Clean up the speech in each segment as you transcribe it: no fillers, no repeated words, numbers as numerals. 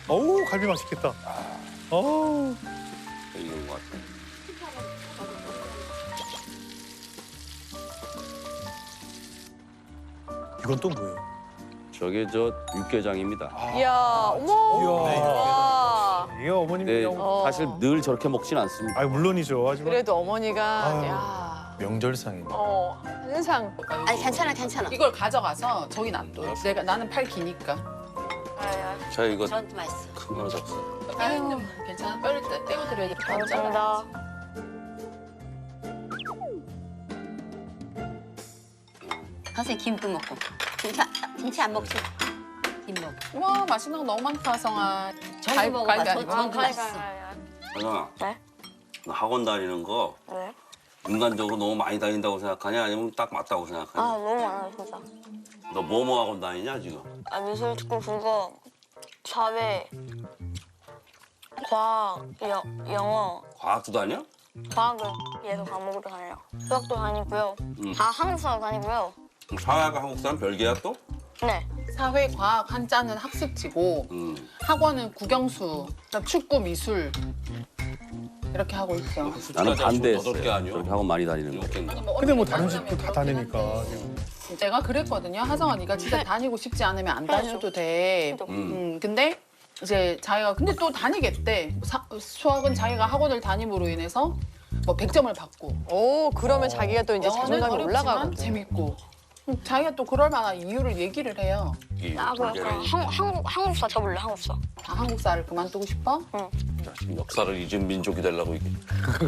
어우, 갈비 맛있겠다. 어우. 이건 것 같아. 이건 또 뭐예요? 저게 저 육개장입니다. 이야, 어머. 와. 이게 어머님 네, 명. 사실 늘 저렇게 먹진 않습니다. 아, 물론이죠. 하지만 그래도 어머니가 아유. 야. 명절상이네. 한상. 아니 괜찮아 괜찮아. 이걸 가져가서 저기 놔둬. 나는 팔 기니까. 자 이거 저한테 맛있어. 큰 거나 잡수. 아유, 괜찮아. 뼈를 떼고 드려야 돼. 감사합니다. 선생님 김도 먹고. 김치 안 먹지? 김 먹고. 와, 맛있는 거 너무 많다, 성아. 저기 먹어봐. 아니고. 저도 맛있어. 하정아, 네? 너 학원 다니는 거 네? 인간적으로 너무 많이 다닌다고 생각하냐? 아니면 딱 맞다고 아, 생각하냐? 너무 많아요, 진짜. 너 뭐 학원 다니냐 지금? 아, 미술, 특공, 국어, 사회, 과학, 영어, 과학도 다녀? 과학은 예술 과목으로 다녀요. 수학도 다니고요. 한국사도 다니고요. 그럼 사회과 한국사는 별개야 또? 네. 사회, 과학, 한자는 학습지고 학원은 국영수, 그다음 축구, 미술 이렇게 하고 있어. 나는 반대했어요. 여덟 개 아니요? 저렇게 학원 많이 다니는 거. 근데 뭐 다른 집도 다 다니니까. 지금. 내가 그랬거든요. 하성아, 네가 진짜 다니고 싶지 않으면 안 다녀도 돼. 근데 이제 자기가 근데 또 다니겠대. 수학은 자기가 학원을 다님으로 인해서 뭐 100점을 받고. 오, 그러면 자기가 또 이제 영어는 자존감이 어렵지만 올라가고. 재밌고. 자기가 또 그럴 만한 이유를 얘기를 해요. 나도 약간 한국사 접을래, 한국사. 아, 한국사를 그만두고 싶어? 지금 역사를 잊은 민족이 되려고 이게.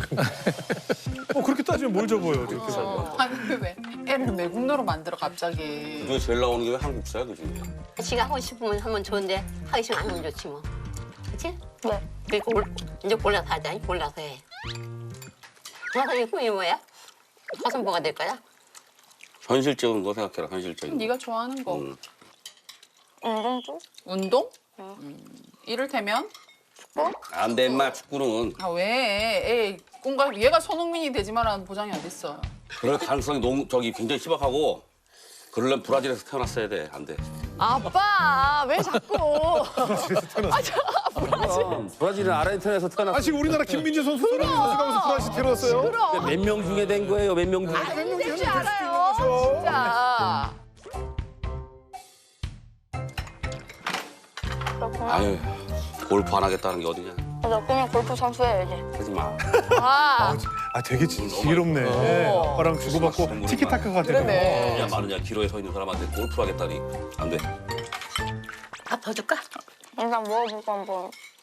그렇게 따지면 뭘 접어요, 이렇게. 아니 왜 애를 외국노로 만들어 갑자기. 그중에 제일 나오는 게 왜 한국사야 그 중에? 지가 하고 싶으면 하면 좋은데 하기 싫으면 안 하면 좋지 뭐. 그치? 네. 그리고 이제 골라서 하자. 골라서 해. 선생님 꿈이 뭐야? 화선 뭐가 될 거야? 현실적인 거 생각해라. 현실적인 거. 네가 좋아하는 거. 운동 쪽? 운동? 이를테면 안 돼, 임마 축구는. 아 왜? 애 꿈과 얘가 손흥민이 되지만은 보장이 어딨어. 그럴 가능성이 저기 굉장히 희박하고 그러려면 브라질에서 태어났어야 돼. 안 돼. 아빠, 왜 자꾸. 브라질은 아르헨티나에서 태어났어. 아, 지금 우리나라 김민재 선수 손흥민 선수가 무슨 프라시 데려왔어요? 몇 명 중에 된 거예요? 몇 명 중에? 될줄 알아요, 진짜. 아유, 골프 안 하겠다는 게 어디냐. 나 그냥 골프 선수 해야지. 하지 마. 아, 아, 되게 지혜롭네. 아빠랑 주고받고 티키타카가 되네요. 그러네. 야 마느냐 기로에 서 있는 사람한테 골프 하겠다니 안 돼. 밥 더 줄까? 일단 먹어보고 한번.